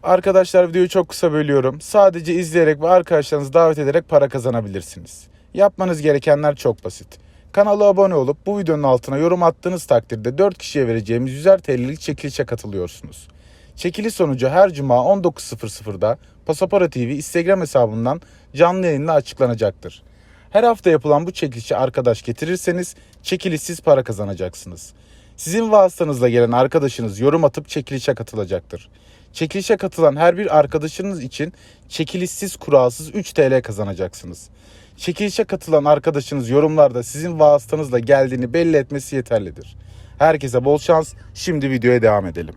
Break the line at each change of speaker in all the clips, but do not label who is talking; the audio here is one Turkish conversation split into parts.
Arkadaşlar videoyu çok kısa bölüyorum. Sadece izleyerek ve arkadaşlarınızı davet ederek para kazanabilirsiniz. Yapmanız gerekenler çok basit. Kanala abone olup bu videonun altına yorum attığınız takdirde 4 kişiye vereceğimiz 100'er TL'lik çekilişe katılıyorsunuz. Çekiliş sonucu her cuma 19.00'da Pasapora TV Instagram hesabından canlı yayınla açıklanacaktır. Her hafta yapılan bu çekilişe arkadaş getirirseniz çekilişsiz para kazanacaksınız. Sizin vasıtanızla gelen arkadaşınız yorum atıp çekilişe katılacaktır. Çekilişe katılan her bir arkadaşınız için çekilişsiz kuralsız 3 TL kazanacaksınız. Çekilişe katılan arkadaşınız yorumlarda sizin vasıtanızla geldiğini belli etmesi yeterlidir. Herkese bol şans. Şimdi videoya devam edelim.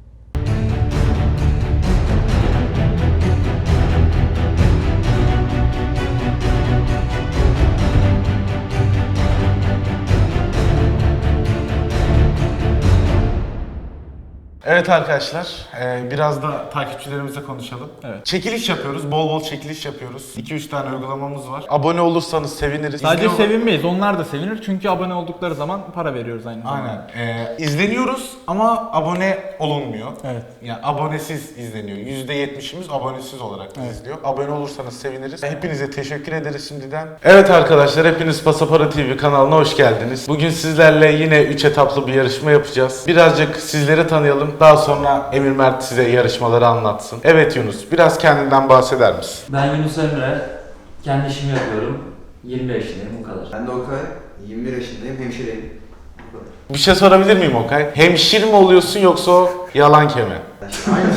Evet arkadaşlar, biraz da takipçilerimizle konuşalım. Evet. Çekiliş yapıyoruz, bol bol çekiliş yapıyoruz. 2-3 tane uygulamamız var. Abone olursanız seviniriz.
Sadece sevinmeyiz, onlar da sevinir çünkü abone oldukları zaman para veriyoruz aynı zamanda.
Aynen. İzleniyoruz ama abone olunmuyor.
Evet.
Yani abonesiz izleniyor. %70'imiz abonesiz olarak izliyor. Abone olursanız seviniriz. Hepinize teşekkür ederiz şimdiden. Evet arkadaşlar, hepiniz Pasapora TV kanalına hoş geldiniz. Bugün sizlerle yine 3 etaplı bir yarışma yapacağız. Birazcık sizleri tanıyalım. Daha sonra Emir Mert size yarışmaları anlatsın. Evet Yunus, biraz kendinden bahseder misin?
Ben Yunus Emre, kendi işimi yapıyorum. 25 yaşındayım, bu kadar.
Ben de Okay, 21 yaşındayım, hemşireyim. Bu kadar.
Bir şey sorabilir miyim Okay? Hemşir mi oluyorsun yoksa o yalan keme?
Aynen.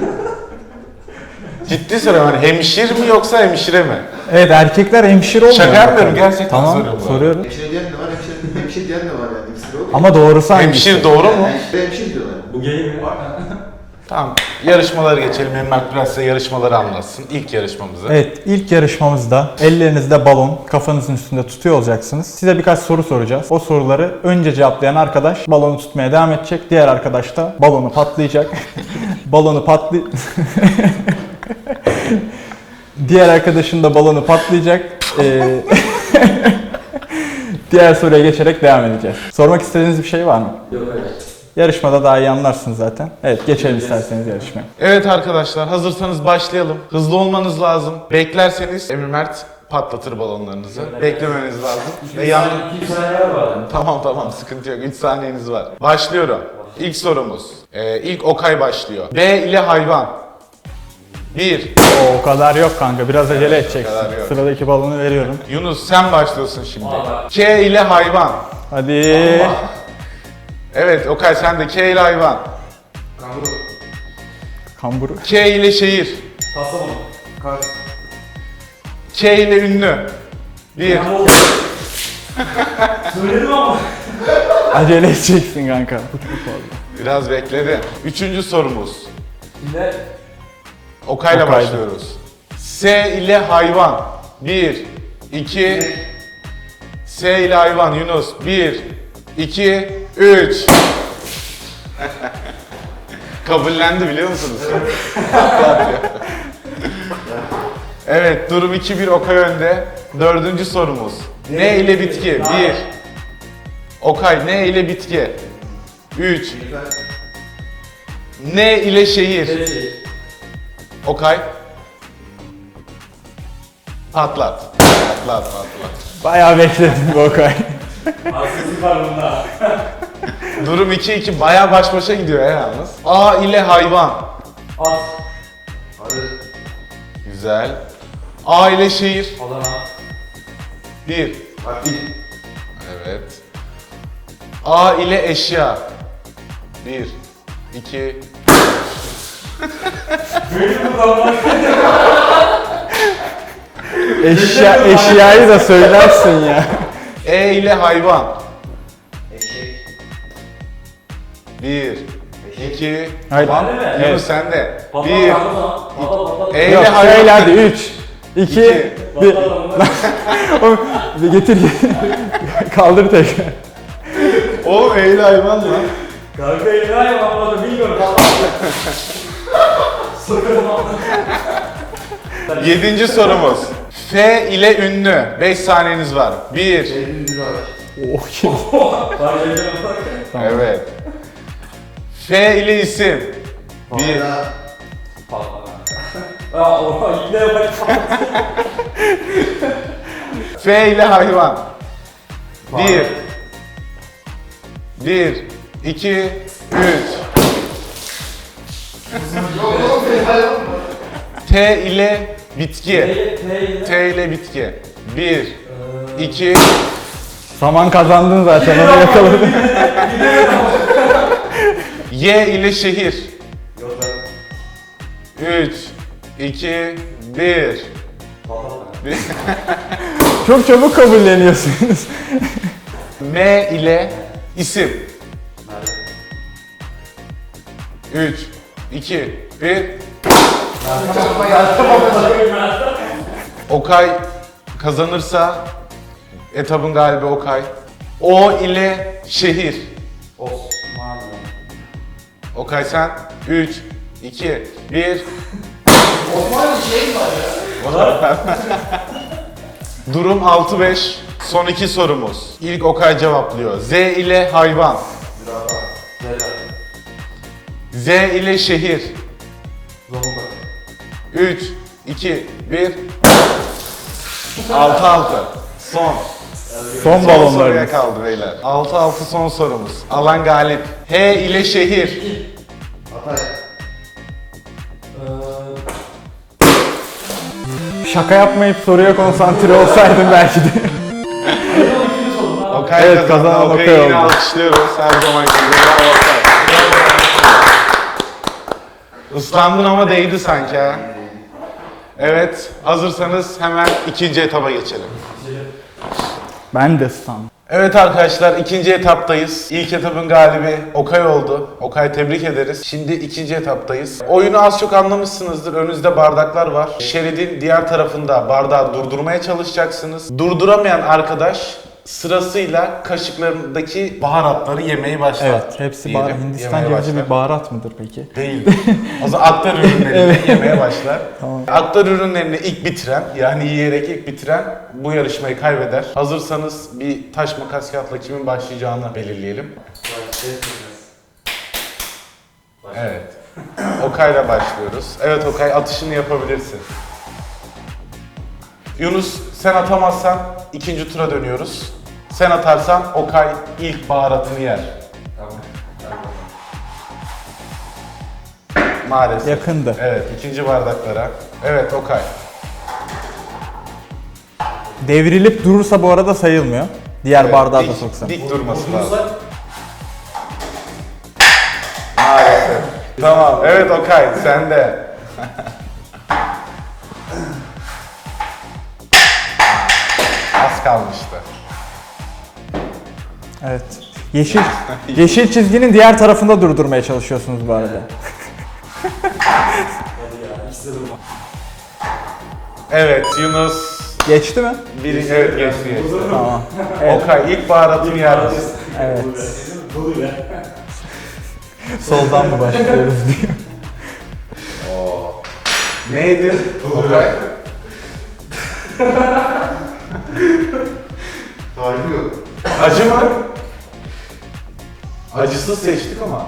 Ciddi soruyorum, hani hemşir mi yoksa hemşire mi?
Evet, erkekler hemşire olmuyor.
Şaka yapmıyorum, gerçekten
tamam,
soruyorum.
soruyorum.
Hemşire diyen de var, hemşire diyen de var yani. İkisi de oluyor.
Ama doğrusu hangisi?
Hemşir doğru mu?
Hemşire diyorlar.
Bu gay mi?
Tamam, yarışmalara geçelim. Emir Mert biraz size yarışmaları anlatsın. İlk yarışmamızı.
Evet, ilk yarışmamızda ellerinizde balon, kafanızın üstünde tutuyor olacaksınız. Size birkaç soru soracağız. O soruları önce cevaplayan arkadaş balonu tutmaya devam edecek. Diğer arkadaş da balonu patlayacak. Diğer arkadaşın da balonu patlayacak. Diğer soruya geçerek devam edeceğiz. Sormak istediğiniz bir şey var mı?
Yok hayır.
Yarışmada daha iyi anlarsınız zaten. Evet, geçelim isterseniz yarışmaya.
Evet arkadaşlar, hazırsanız başlayalım. Hızlı olmanız lazım. Beklerseniz Emir Mert patlatır balonlarınızı. Beklemeniz lazım. Ve yandım.
2 saniye var.
Tamam, sıkıntı yok. 3 saniyeniz var. Başlıyorum. İlk sorumuz. İlk Okay başlıyor. B ile hayvan. 1.
O kadar yok kanka, biraz acele edeceksin.
kadar yok.
Sıradaki balonu veriyorum.
Yunus sen başlıyorsun şimdi. K ile hayvan.
Hadi.
Evet Okay sen de K ile hayvan.
Kanguru.
Kamburu.
K ile şehir.
Kastamonu.
Kars.
K ile ünlü. 1.
Söyledim ama.
Acele edeceksin kanka. Bu çok fazla.
Biraz bekledi. Üçüncü sorumuz.
Ne?
Okay'la
Okay'da.
başlıyoruz. S ile hayvan. 1, 2. S ile hayvan Yunus. 1, 2, 3. Kabullendi biliyor musunuz? Evet, durum 2-1 Okay önde. Dördüncü sorumuz. Ne ile bitki? 1. Okay ne ile bitki? 3. Ne ile şehir? Okay. Patlat. Patlat.
Bayağı bekledim bu Okay.
Haksızlık var bunda.
Durum 2-2 bayağı baş başa gidiyor ya yalnız. A ile hayvan.
At.
Arı.
Güzel. A ile şehir.
Adana.
1.
Akbil.
Evet. A ile eşya. 1, 2.
Eşyayı da söylersin ya.
E ile hayvan.
Eşek.
1, 2.
Hayır.
Tamam.
Ben de mi?
Yunus
Evet.
sen de.
Patlat
1.
patlat.
E
Yok
ile hayvan.
şöyle hadi 3, 2, 1. Getir. Kaldır tekrar.
O E ile hayvan lan.
Kanka elini ayağım bilmiyorum. Sakın
Yedinci sorumuz. F ile ünlü. 5 saniyeniz var. 1.
Eylül Güraş.
Oh kim?
Evet. F ile isim. 1.
Fahra.
Aa, oha yine bak.
F ile hayvan. 1 2 3 T ile bitki. T ile bitki. 1 2
Saman kazandın zaten, onu yakaladın.
Y ile şehir. 3 2 1
Çok çabuk kabulleniyorsunuz.
M ile isim. 3 2 1 Okay kazanırsa etabın galibi Okay. O ile şehir.
Osmanlı.
Okay sen 3 2 1
Osmanlı şey mi var ya?
Durum 6-5. Son 2 sorumuz. İlk Okay cevaplıyor. Z ile hayvan. Z ile şehir. 3 2 1 6-6. Son.
Son
Son soruya
balonlarımız.
kaldı beyler. 6-6 son sorumuz. Alan galip. H ile şehir.
Hatay.
Şaka yapmayıp soruya konsantre olsaydım belki de.
Okay
Evet, kazanan
Okay'ı
Okay
yine
oldu.
alkışlıyoruz her zaman gibi. Bravo Okay. Islandın ama değdi sanki ha. Evet, hazırsanız hemen ikinci etaba geçelim.
Ben de sandım.
Evet arkadaşlar, ikinci etaptayız. İlk etapın galibi Okay oldu. Okay tebrik ederiz. Şimdi ikinci etaptayız. Oyunu az çok anlamışsınızdır. Önünüzde bardaklar var. Şeridin diğer tarafında bardağı durdurmaya çalışacaksınız. Durduramayan arkadaş sırasıyla kaşıklarındaki baharatları yemeye başlar.
Evet, hepsi baharat.
Diyelim,
Hindistan
yemeye
cevizi
başlar.
bir baharat mıdır peki?
Değil. O zaman aktar ürünlerini yemeye başlar.
Tamam.
Aktar ürünlerini ilk bitiren, yani yiyerek ilk bitiren bu yarışmayı kaybeder. Hazırsanız bir taş makas kağıtla kimin başlayacağını belirleyelim. Evet. Okay'la başlıyoruz. Evet Okay, atışını yapabilirsin. Yunus, sen atamazsan ikinci tura dönüyoruz. Sen atarsan Okay ilk baharatını yer.
Tamam.
Maalesef.
Yakındı.
Evet, ikinci bardaklara. Evet Okay.
Devrilip durursa bu arada sayılmıyor. Diğer
Evet,
bardağı da
dik-
soksan.
Dik durması lazım. Maalesef. Tamam, evet Okay, sen de. Az kalmıştı.
Evet. Yeşil çizginin diğer tarafında durdurmaya çalışıyorsunuz bu arada.
Evet, Yunus
Geçti mi?
evet geçti.
Tamam. Evet.
Okay, ilk baharatını yer misin?
Evet. Soldan mı başlıyoruz diyor.
Neydi? Okay.
Tarifi yok.
Acı mı? Acısız seçtik ama.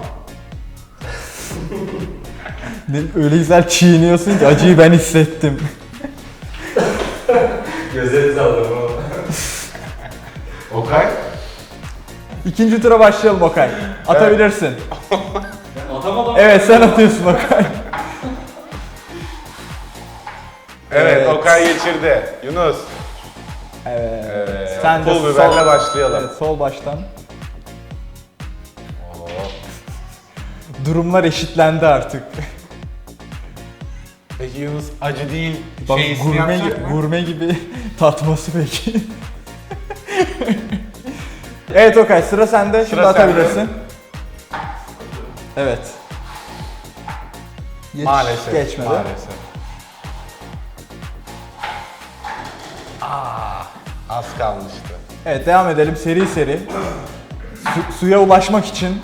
Öyle güzel çiğniyorsun ki acıyı ben hissettim.
Gözlerinizi alırım.
Okay.
İkinci tura başlayalım Okay. Atabilirsin.
Atamadım.
Evet, sen atıyorsun Okay.
Evet,
Evet.
Okay geçirdi. Yunus.
Evet.
Evet.
Sen de
Pul biberle başlayalım.
Evet, sol baştan. Durumlar eşitlendi artık.
Peki Yunus acı değil
Bak,
şeysini yapacak mı?
gurme gibi tatması peki. Evet Okay, sıra sende. Şimdi
Sıra
atabilirsin.
sende.
Evet.
Maalesef.
Geçmedi.
Maalesef. Az kalmıştı.
Evet, devam edelim seri seri. Suya ulaşmak için.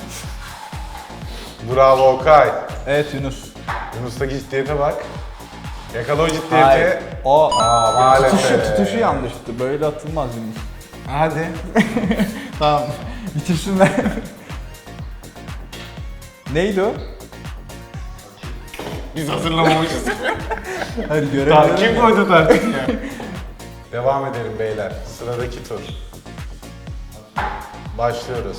Bravo Okay.
Evet Yunus.
Yunus'taki ciddiyete bak. Yakala o
Hayır.
ciddiyeti.
O
Maalesef.
tutuşu yanlıştı. Böyle atılmaz Yunus.
Hadi.
Tamam. Bitirsinler. Neydi o?
Biz hazırlamamışız.
Hadi görelim.
Kim koydu tartıyı ya? Devam edelim beyler. Sıradaki tur. Başlıyoruz.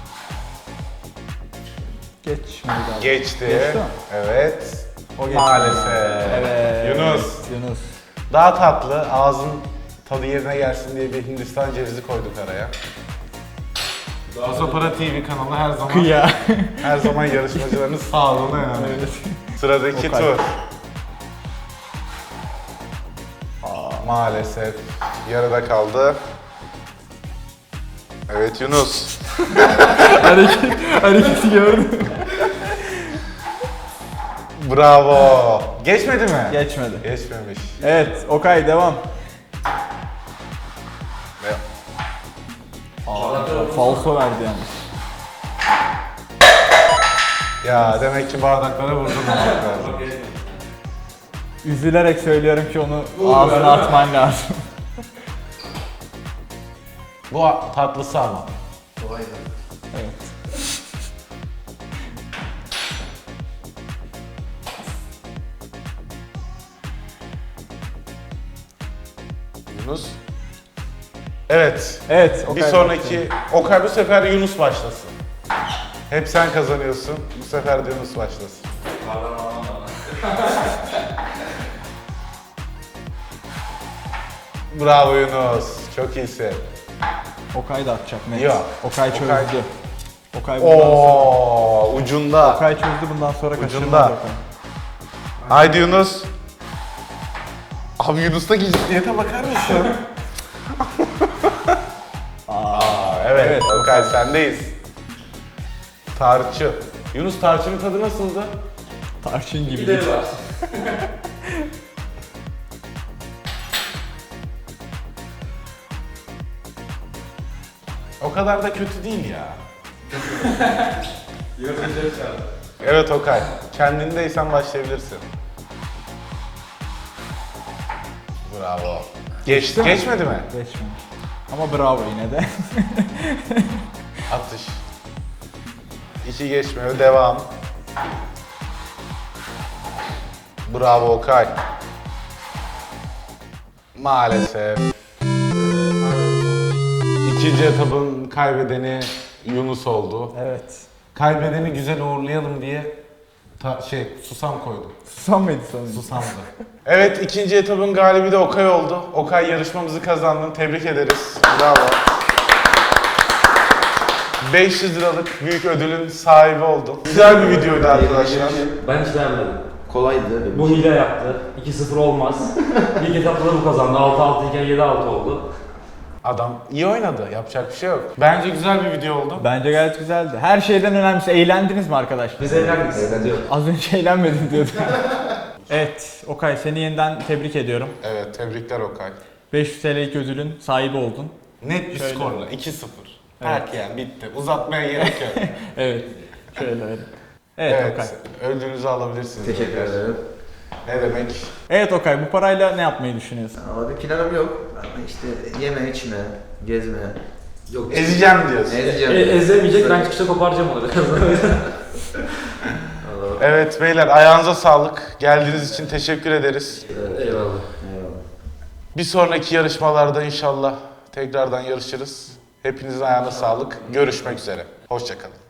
Geçmedi galiba.
Geçti.
Geçti mi?
Evet.
O geçti.
Maalesef.
Evet.
Yunus. Daha tatlı, ağzın tadı yerine gelsin diye bir Hindistan cevizi koyduk araya. Pasapara TV kanalı her zaman
Ya.
her zaman yarışmacıların sağlığına yani. Sıradaki
Okay.
tur. Maalesef yarıda kaldı. Evet Yunus.
Hareketi gördüm.
Bravo. Geçmedi mi?
Geçmedi.
Geçmemiş.
Evet, Okay devam.
Ve
Falso verdi yalnız.
ya demek ki bardaklara vurdurmamak lazım.
Üzülerek söylüyorum ki onu ağzına atman lazım.
Bu tatlısı ama.
Kolaydı.
Evet.
Yunus. Evet.
Evet,
Bir
Okay
sonraki Okay bu sefer Yunus başlasın. Hep sen kazanıyorsun. Bu sefer de Yunus başlasın. Bravo Yunus. Çok iyisin.
Okay da atacak net.
Yok.
Okay çözdü.
Okay.
Okay bundan sonra.
Oo, ucunda.
Okay çözdü, bundan sonra
Ucunda.
kaçırmaz Okay.
Haydi Yunus. Abi Yunus'taki ciddiyete bakar mısın? Evet,
Evet,
Okay sendeyiz. Tarçı. Yunus tarçının tadı nasıldı?
Tarçın gibi.
Gideri var.
O kadar da kötü değil ya. Evet Okay. Kendindeysen başlayabilirsin. Bravo.
Geçti mi?
Geçmedi mi?
Geçmemiş. Ama bravo yine de.
Atış. İki geçmiyor. Devam. Bravo Okay. Maalesef. İkinci etapın kaybedeni Yunus oldu.
Evet.
Kaybedeni güzel uğurlayalım diye susam koydum.
Susam mıydı sonunda?
Susamdı. Evet, ikinci etapın galibi de Okay oldu. Okay yarışmamızı kazandın. Tebrik ederiz. Bravo. 500 liralık büyük ödülün sahibi oldun. Güzel bir videoydu arkadaşlar.
Ben hiç beğenmedim.
Kolaydı.
Bu hile yaptı. 2-0 olmaz. İlk etapta da bu kazandı. 6-6 iken 7-6 oldu.
Adam iyi oynadı. Yapacak bir şey yok. Bence güzel bir video oldu.
Bence gayet güzeldi. Her şeyden önemlisi eğlendiniz mi arkadaşlar?
Biz eğlendik. sıkıntı yok.
Az önce eğlenmedim diyordum. Evet, Okay seni yeniden tebrik ediyorum.
Evet, tebrikler Okay.
500 TL'lik ödülün sahibi oldun.
Net bir
Şöyle.
skorla 2-0. Erken bitti. Uzatmaya gerek yok.
Evet, şöyle öyle. Evet, Okay.
ödülünüzü alabilirsiniz.
Teşekkür ederim.
Ne demek?
Evet Okay, bu parayla ne yapmayı düşünüyorsun?
Ama bir planım yok. Ama işte yeme, içme, gezme.
Yok.
Ezeceğim diyorsun.
Ezeceğim.
Ezemeyecek, ben çıkışta koparacağım onu biraz.
Evet beyler, ayağınıza sağlık. Geldiğiniz için teşekkür ederiz.
Eyvallah.
Eyvallah.
Bir sonraki yarışmalarda inşallah tekrardan yarışırız. Hepinizin ayağına sağlık. Görüşmek üzere. Hoşça kalın.